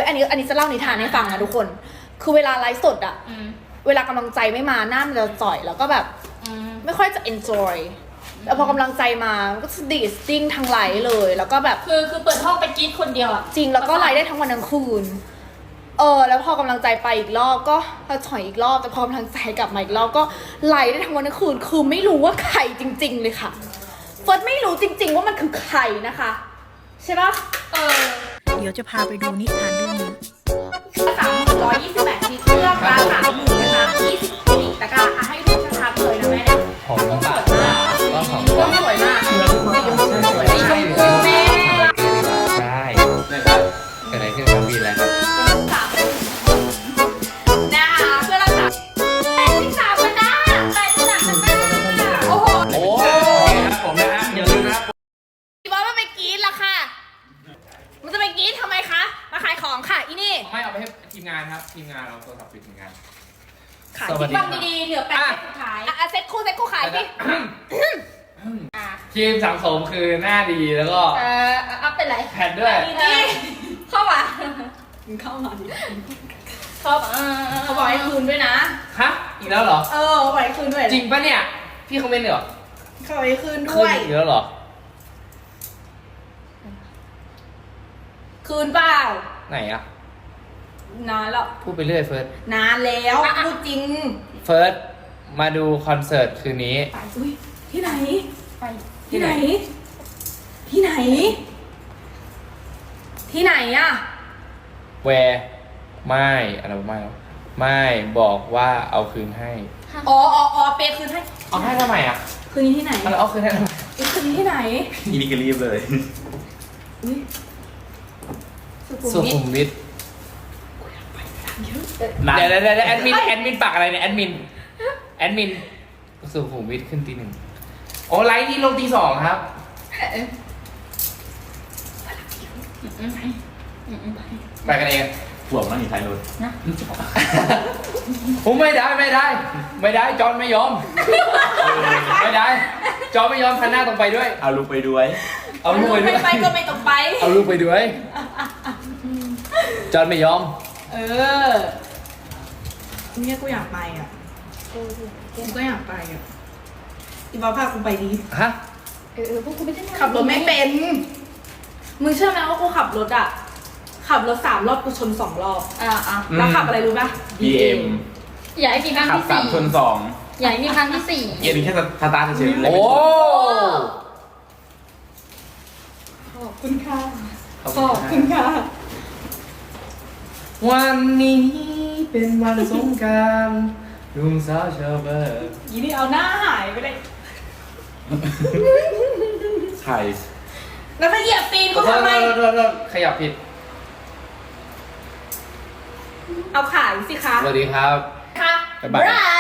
อันนี้จะเล่านิทานให้ฟังนะทุกคนคือเวลาไลฟ์สดอะเวลากำลังใจไม่มาหน้ามันจะจ่อยแล้วก็แบบไม่ค่อยจะ enjoy แต่พอกำลังใจมาก็สดีสติ้งทั้งไลฟ์เลยแล้วก็แบบคือเปิดห้องไปกรี๊ดคนเดียวอะจริงแล้วก็ไลฟ์ได้ทั้งวันทั้งคืนแล้วพอกำลังใจไปอีกรอบก็ถอยอีกรอบแต่พอกำลังใจกลับมาอีกรอบก็ไลฟ์ได้ทั้งวันทั้งคืนคือไม่รู้ว่าใครจริงๆเลยค่ะเฟิร์สไม่รู้จริงๆว่ามันคือใครนะคะใช่ปะเดี๋ยวจะพาไปดูนิทานเรื่องนี้ 328ชิ้นเลือกราคา30,000นะคะ20ตะกร้าให้ดูชัดๆเลยนะแม่เนี่ยของน้ำตาลก็ของก็สวยมากสีชมพูแม่ใช่เกิดอะไรขึ้นครับวีแล้วครับนะคะเพื่อรักษา83มันได้83มันได้โอ้โหโอ้ครับผมนะฮะอย่าลืมนะครับพี่บอสมันไปกรี๊ดละค่ะมันจะไปกรี๊ดทำไมคะมาขายของค่ะอีนี่ไม่เอาไปให้ทีมงานครับทีมงานเราโทรศัพท์ปิดทีมงานขายสวัสดีฟังดีๆเหลือ8เซตสุดท้ายเซ็ตคู่ขายพี่ทีมสังสมคือหน้าดีแล้วก็อัพเป็นไรแผ่นด้วยนี่เข้ามาเข้ามาดิเข้ามาเขาบอกให้คืนด้วยนะฮะอีกแล้วเหรอเขาบอกให้คืนด้วยจริงปะเนี่ยพี่คอมเมนต์เหรอเขาบอกให้คืนคืด้นวยอีกแล้วเหรอคืนเปล่าไหนอะนานแล้วพูดไปเรื่อยเฟิร์สนานแล้วพูดจริงเฟิร์สมาดูคอนเสิร์ตคืนนี้อุ้ยที่ไหนไปที่ไหน ที่ไหน ที่ไหนอะแวร์ไม่อะไรไม่แล้วไม่บอกว่าเอาคืนให้อ๋อเปย์คืนให้เอาให้ทำไมอ่ะคืนนี้ที่ไหนเอาคืนให้ทำไมคืนนี้ที่ไหนอีนี่ก็รีบเลยอุ้ยสุขุมวิทนั่นเดี๋ยวแอดมินปักอะไรเนี่ยแอดมินสุขุมวิทขึ้นตี 1โอ้ไลฟ์นี่ลงตี 2ครับไปกันเองห่วงนั่งอยู่ท้ายรถผมไม่ได้จอนไม่ยอมไม่ได้จอนไม่ยอมคันหน้าต้องไปด้วยเอาลูกไปด้วยเอาลูกไปด้วยไม่ไปก็ไม่ต้องไปเอาลูกไปด้วยจอนไม่ยอมเนี่ยกูอยากไปอ่ะกูก็อยากไปอ่ะอีบอสพากูไปดีฮะพวกคุณไม่ใช่ขับรถไม่เป็น มึงเชื่อไหมว่ากูขับรถอ่ะ ขับรถ3 รอบกูชน2 รอบ แล้วขับอะไรรู้ป่ะ BM อย่าให้มีครั้งขับที่ 3 ชนอย่าให้มีครั้งที่ 2เย็นแค่สตาร์ทเฉยๆเลยโอ้ขอบคุณค่ะขอบคุณค่ะวันนี้เป็นวันสงกรานต์ลุงสาวชาวบ้านยีนี่เอาหน้าหายไปเลยใช่แล้วมาเหยียบตีนกูทำไมขยับผิดเอาขายสิคะสวัสดีครับค่ะบ๊ายบายบาย